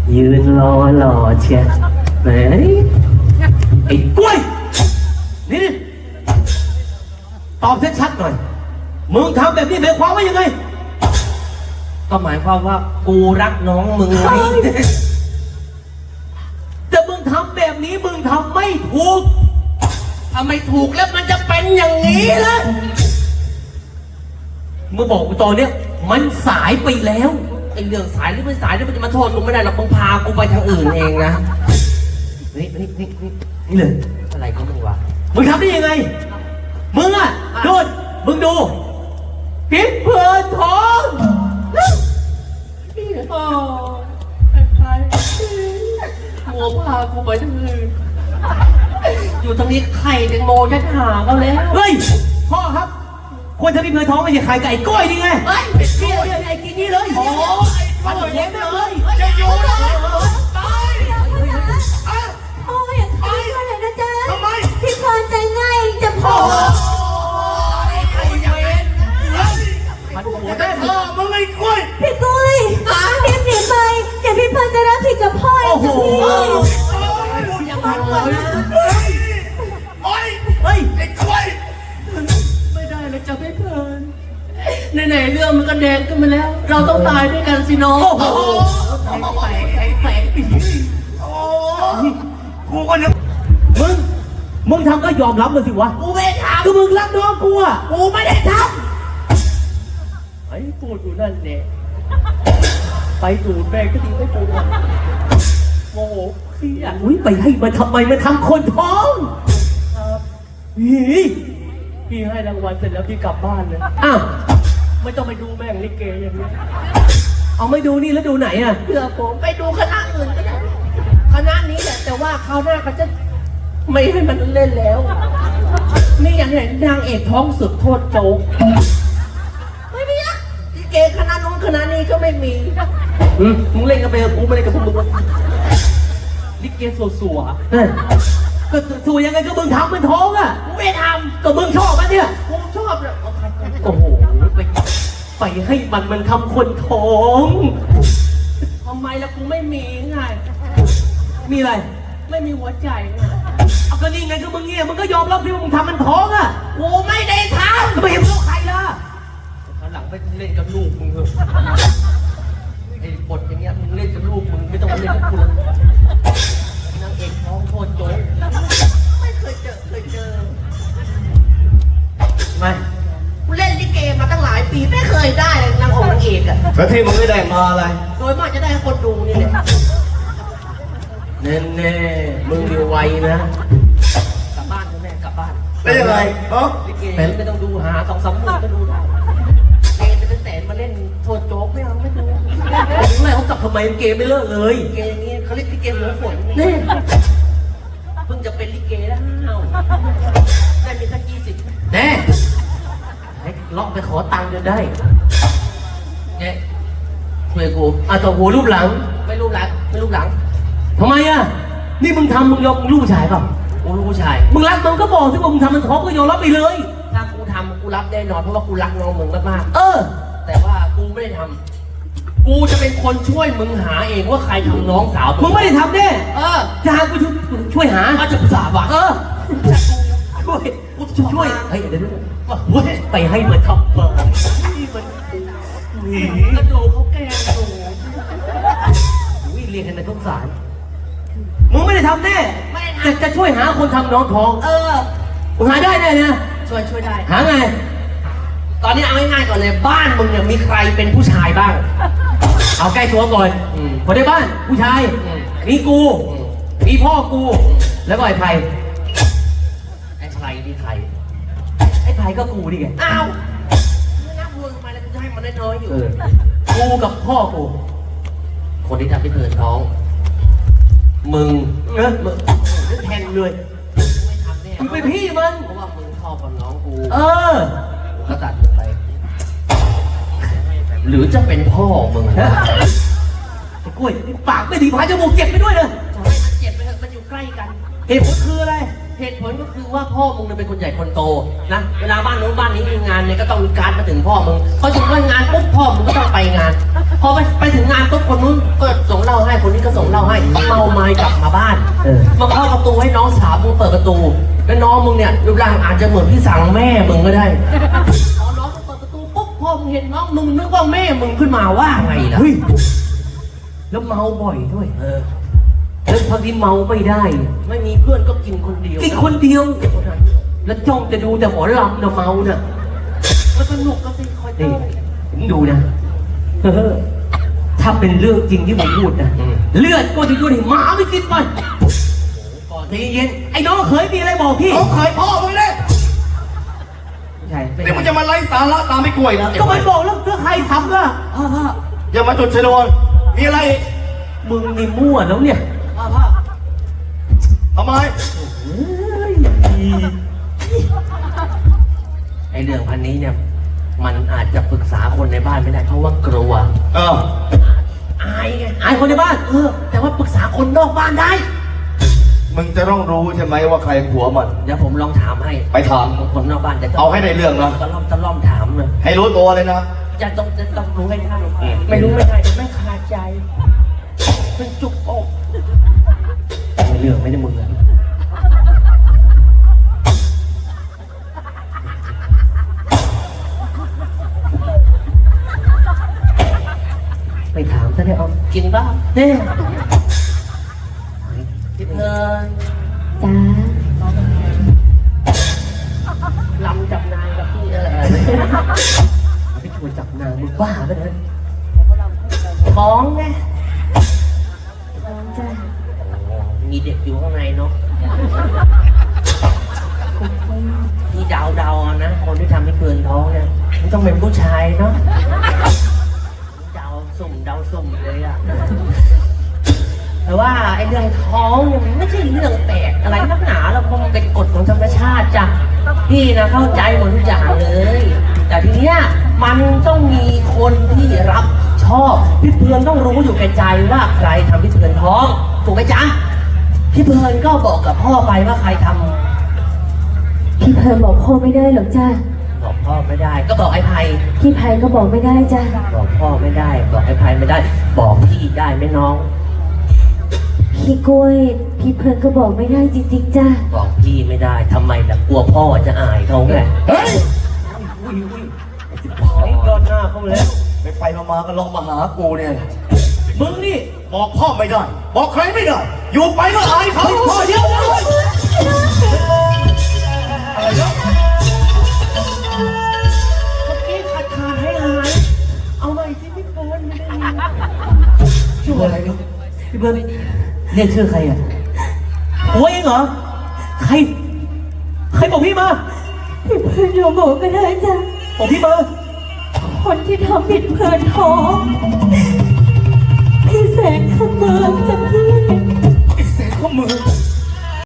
ยืนรอหล่อเชียไหนไอ้กล้วยนี่ตอบชัดๆหน่อยมึงทำแบบนี้หมายความว่ายังไงก็หมายความว่ากูรักน้องมึงไงแต่มึงทำแบบนี้มึงทำไม่ถูกทำไม่ถูกแล้วมันจะเป็นอย่างนี้ล่ะมึงบอกกูตอนเนี้ยมันสายไปแล้วไอ้เรื่องสายหรือไม่สายนี่มันจะมาโทษกูไม่ได้หรอกมึงพากูไปทางอื่นเองนะนี่เลยอะไรก็มึงวะมึงทำได้ยังไงมึงอ่ะโดนมึงดูพิษเพลินทองพี่พ่อใครหัวพากูไปทางอื่นอยู่ตรงนี้ไข่แตงโมจะหาเขาแล้วเฮ้ยพ่อครับคนทำพิษเพลินทองไม่ใช่ไข่ไก่ก้อยนี่ไงเฮ้ยไอ้กินนี่เลยโอ้ยมันเลี้ยงเลยจะอยู่เลยตายพ่ออย่าทำอะไรนะจ๊ะทำไมพี่พรใจง่ายจะพอไอ้เวนมันโหดได้พ่อมึงไอ้กล้วยพี่กล้วยรีบหนีไปเดี๋ยวพี่พรจะรับผิดกับพ่อเองจ้ะพี่ยังไงโอ้ยไอ้กล้วยไม่ได้เลยจะไม่เพลินไหนๆเรื่องมันก็แดงขึ้นมาแล้วเราต้องตายด้วยกันสิน้องโอ้โหแฝงโอ้กูก็นึกมึงทำก็ยอมรับมันสิวะกูไม่ทำก็มึงรักน้องกูอ่ะกูไม่ได้ทำไอ้พูดอยู่นั่นเนี่ยไปจูดแม่ก็ดีไม่จูดโมโหพี่อ่ะไปให้มันทำไมมันทำคนท้องพี่ให้รางวัลเสร็จแล้วพี่กลับบ้านเลยอ้าวไม่ต้องไปดูแม่งลิเกอย่างนี้เอาไม่ดูนี่แล้วดูไหนอ่ะเพื่อผมไปดูคณะอื่นก็ได้คณะนี้แหละแต่ว่าคราวหน้าเขาจะไม่ให้มันเล่นแล้วนี่อย่างเห็นนางเอกท้องสุดโทษโจ๊กไม่มีอะลิเกคณะนู้นคณะนี้ก็ไม่มีมึงเล่นกับเบลกูไม่เล่นกับพวกมึงลิเกสัวก็สัวยังไงก็มึงทำมันท้องอ่ะกูไม่ทำก็มึงชอบมันเนี่ยกูชอบเลยโอ้โหไปให้มันทำคนท้องทำไมล่ะกูไม่มีไงมีอะไรไม่มีหัวใจเอาก็นี่ไงก็มึงเงี้ยมึงก็ยอมรับที่ว่ามึงทำมันท้องอ่ะกูไม่ได้ทำไม่เห็นลูกใครล่ะคราวหลังไปเล่นกับลูกมึงเถอะไอ้บทอย่างเงี้ยมึงเล่นกับลูกมึงไม่ต้องมาเล่นกับกูนางเอกท้องโคตรโจ๊กไม่เคยเจอไม่กูเล่นลิเกมาตั้งหลายปีไม่เคยได้เลยนางองค์นางเอกอะแล้วที่มึงไม่ได้มาอะไรโดยมากจะได้คนดูนี่แหละแน่มึงเร็วไวนะกลับบ้านแม่กลับบ้านเป็นยังไงลิเกไม่ต้องดูหา2-3 หมื่นก็ดูได้เกมเป็นแสนมาเล่นโทษโจ๊กไม่เอาไม่ดูไม่เขากลับทำไมเกมไม่เลิกเลยเกมนี้เขาเรียกลิเกหัวฝนนี่เพิ่งจะเป็นลิเกแล้วได้มีสัก20 แน่ให้ล็อกไปขอตังค์จนได้เนี่ยช่วยกูตัวหูรูปหลังไม่รูปหลังทำไมอ่ะนี่มึงทำมึงยอมลูกผู้ชายเปล่ากูลูกผู้ชายมึงรักมึงก็บอกสิว่ามึงทำมันท้องก็ยอมรับไปเลยถ้ากูทำกูรับแน่นอนเพราะว่ากูรักน้องมึงมากๆแต่ว่ากูไม่ได้ทำกูจะเป็นคนช่วยมึงหาเองว่าใครทำน้องสาวมึงไม่ได้ทำแน่จะหากูช่วยหาจะสาบะช่วยเฮ้ยเดี๋ยวไปให้มันทำนี่มันกระโดดเขาแกล้งดูเรียนกันในทุกสารมึงไม่ได้ทำแน่จะช่วยหาคนทำน้องท้องมึงหาได้แน่นะช่วยได้หาไงตอนนี้เอาง่ายๆก่อนเลยบ้านมึงเนี่ยมีใครเป็นผู้ชายบ้างเอาใกล้ตัวก่อนคนในบ้านผู้ชายมีกูมีพ่อกูแล้วก็ไอ้ไผ่ดีใครไอ้ไผ่ก็กูดิไงอ้าวไม่น่าพูดทำไมเลยกูจะให้มันได้น้อยอยู่กูกับพ่อกูคนที่ทำให้เธอท้องมึงมึงแทงเลยไม่ทำแน่มึงเป็นพี่มันเพราะว่ามึงชอบกับน้องกูก็ตัดมึงไปหรือจะเป็นพ่อมึงไอ้กล้วยปากไม่ดีพายจมูกเจ็บไปด้วยเลยจะให้มันเจ็บไปเถอะมันอยู่ใกล้กันเหตุผลคืออะไรเหตุผลก็คือว่าพ่อมึงเป็นคนใหญ่คนโตนะเวลาบ้านโน้นบ้านนี้มีงานเนี่ยก็ต้องมีการมาถึงพ่อมึงพอถึงวันงานปุ๊บพ่อมึงก็ต้องไปงานพอไปถึงงานปุ๊บคนนู้นก็ส่งเหล้าให้คนนี้ก็ส่งให้เมาไม้กลับมาบ้านเออมาเข้าประตูให้น้องสาวมึงเปิดประตูแล้วน้องมึงเนี่ยรูปร่างอาจจะเหมือนพี่สั่งแม่มึงก็ได้พอน้องมึงเปิดประตูปุ๊บพอมึงเห็นน้องมึงนึกว่าแม่มึงขึ้นมาว่าไงล่ะเฮ้ยแล้วเมาบ่อยด้วย แล้วพอที่เมาไม่ได้ไม่มีเพื่อนก็กินคนเดียวกินคนเดียว แล้วจ้องจะดูแต่หมอลำนะเมาน่ะก็สนุกก็สิคอยนี่เต้นผมดูนะถ้าเป็นเรื่องจริงที่ผมพูดนะเลือดก็จะดูดิหมาไม่กินมันก่อนใจเย็นไอ้น้องเคยมีอะไรบอกพี่เขาขายพ่อมึงเนี่ยใช่เดี๋ยวมึงจะมาไล่สาระตามไม่กล้วยนะก็มันบอกแล้วเพื่อใครทำล่ะพ่ออย่ามาจุดชนวนมีอะไรอีกมึงนี่มั่วแล้วเนี่ยพ่อทำไมเฮ้ยไอเรื่องพันนี้เนี่ยมันอาจจะปรึกษาคนในบ้านไม่ได้เพราะว่ากลัวเอออายไงไอ้คนในบ้านแต่ว่าปรึกษาคนนอกบ้านได้มึงจะต้องรู้ใช่ไหมว่าใครผัวมันเดี๋ยวผมลองถามให้ไปถามคนนอกบ้านจะเอาให้ได้เรื่องนะตะล่อมถามเลยให้รู้ตัวเลยนะจะต้องรู้ให้ได้ไม่รู้ไม่ได้เดี๋ยวไม่คาใจเป็นจุกอกไม่เรื่องไม่ได้มึงอะไปถามซะได้เอากินบ้างเนี่ยกินเงินจ้าลำจับนายกับพี่ไปชวนจับนางมึงบ้าปะเนี่ยท้องไงจ้ามีเด็กอยู่ข้างในเนาะนี่เดาๆนะคนที่ทำให้เพื่อนท้องเนี่ยมันต้องเป็นผู้ชายเนาะเดาสุ่มเลยอะแต่ว่าไอ้เรื่องท้องเนี่ยมันไม่ใช่เรื่องแปลกอะไรนักหนาแล้วเพราะมันเป็นกฎของธรรมชาติจ้ะพี่นะเข้าใจหมดทุกอย่างเลย แต่ทีเนี้ยมันต้องมีคนที่รับชอบพี่เพื่อนต้องรู้อยู่แก่ใจว่าใครทำพี่เพื่อนท้องถูกไหมจ๊ะพี่เพื่อนก็บอกกับพ่อไปว่าใครทำพี่เพลินบอกพ่อไม่ได้หรอกจ้าบอกพ่อไม่ได้ ก็บอกไอ้ไพพี่ไพก็บอกไม่ได้จ้าบอกพ่อไม่ได้ บอกไอ้ไพไม่ได้ บอกพี่ได้ไหมน้องพี่กล้วยพี่เพลินก็บอกไม่ได้จริงๆจ้าบอกพี่ไม่ได้ทำไมล่ะกลัวพ่อจะอายเขาไงเฮ้ยไอ้ยอดหน้าเขาเลยไปมาก็ลองมาหากูเนี่ยมึงนี่บอกพ่อไม่ได้ บอกใครไม่ได้ อยู่ไปก็อายเขาพ่อเดียวเลยอะไรเนาะเมื่อกี้ขาดให้หายเอาใหม่สิพี่เพิร์นไม่ได้ยินชื่ออะไรเนาะพี่เบิร์ดเรียกชื่อใครอ่ะหัวเองเหรอ ใคร ใครบอกพี่มาพี่เพลินเราบอกก็ได้จ้าบอกพี่มาคนที่ทำผิดเพลินท้อง